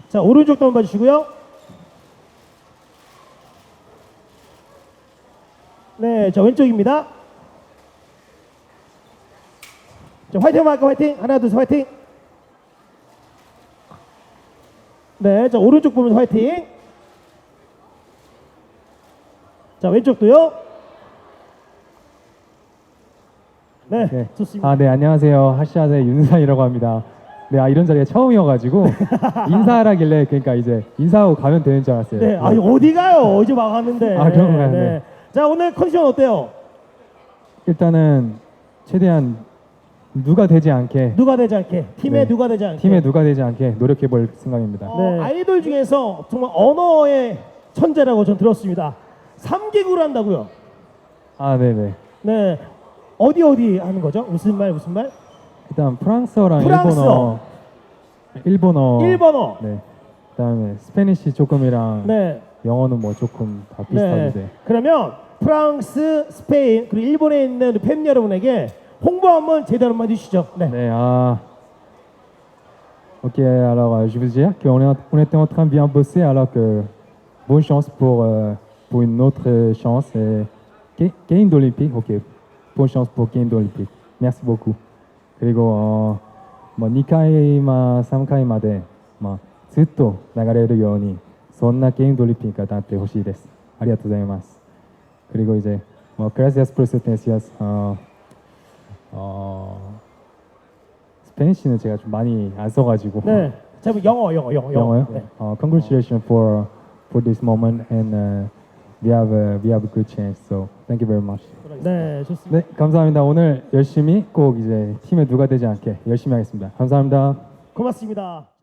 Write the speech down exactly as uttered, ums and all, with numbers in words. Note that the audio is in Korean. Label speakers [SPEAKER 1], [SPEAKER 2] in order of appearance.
[SPEAKER 1] 자, 오른쪽도 한번 봐주시고요. 네, 자, 왼쪽입니다. 자, 화이팅 한번 할까, 화이팅. 하나, 둘, 셋, 화이팅. 네, 자, 오른쪽 보면서 화이팅. 자, 왼쪽도요. 네,
[SPEAKER 2] 네.
[SPEAKER 1] 좋습니다.
[SPEAKER 2] 아, 네, 안녕하세요. 하시아의 윤상이라고 합니다. 네, 아, 이런 자리가 처음이어가지고 인사하라길래 그러니까 이제 인사하고 가면 되는 줄 알았어요.
[SPEAKER 1] 네, 아니 어디 가요? 이제 막 왔는데.
[SPEAKER 2] 아, 그런가요? 네.
[SPEAKER 1] 자, 오늘 컨디션 어때요?
[SPEAKER 2] 일단은 최대한 누가 되지 않게
[SPEAKER 1] 누가 되지 않게, 팀에
[SPEAKER 2] 네.
[SPEAKER 1] 누가 되지 않게.
[SPEAKER 2] 팀에 누가 되지 않게 노력해 볼 생각입니다.
[SPEAKER 1] 어, 아이돌 중에서 정말 언어의 천재라고 전 들었습니다. 삼 개국을 한다고요?
[SPEAKER 2] 아, 네, 네.
[SPEAKER 1] 네. 어디 어디 하는 거죠? 무슨 말 무슨 말?
[SPEAKER 2] 일단 프랑스어랑
[SPEAKER 1] 프랑스어.
[SPEAKER 2] 일본어, 일본어,
[SPEAKER 1] 일본어.
[SPEAKER 2] 네. 그다음에 스페니시 조금이랑
[SPEAKER 1] 네.
[SPEAKER 2] 영어는 뭐 조금 다
[SPEAKER 1] 네.
[SPEAKER 2] 비슷한데.
[SPEAKER 1] 그러면 프랑스, 스페인 그리고 일본에 있는 우리 팬 여러분에게 홍보 한번 제대로 한번 해주시죠. 네.
[SPEAKER 2] 네, ah. Ok, alors euh, je veux dire qu'on est, en- on était en train de bien bosser, alors que bonne chance pour, euh, pour une autre euh, chance. Et... Ga- Gain d'Olympique, ok. Bonne chance pour Gain d'Olympique. Merci beaucoup. 그리고 어, 뭐にかいまさんかいまでまあずっと流れるようにそんなゲームドリンピックがなってほしいです。ありがとうございます。그리고 이제 뭐 gracias por su atención. 어, 어, 스페니쉬는 제가 좀 많이 안 써가지고.
[SPEAKER 1] 네. 자, 그럼 영어, 영어, 영어, 영어.
[SPEAKER 2] 영어요?
[SPEAKER 1] 네.
[SPEAKER 2] 어, congratulations for for this moment and uh, we have a, we have a good chance. So thank you very much.
[SPEAKER 1] 네, 좋습니다.
[SPEAKER 2] 네, 감사합니다. 오늘 열심히 꼭 이제 팀에 누가 되지 않게 열심히 하겠습니다. 감사합니다.
[SPEAKER 1] 고맙습니다.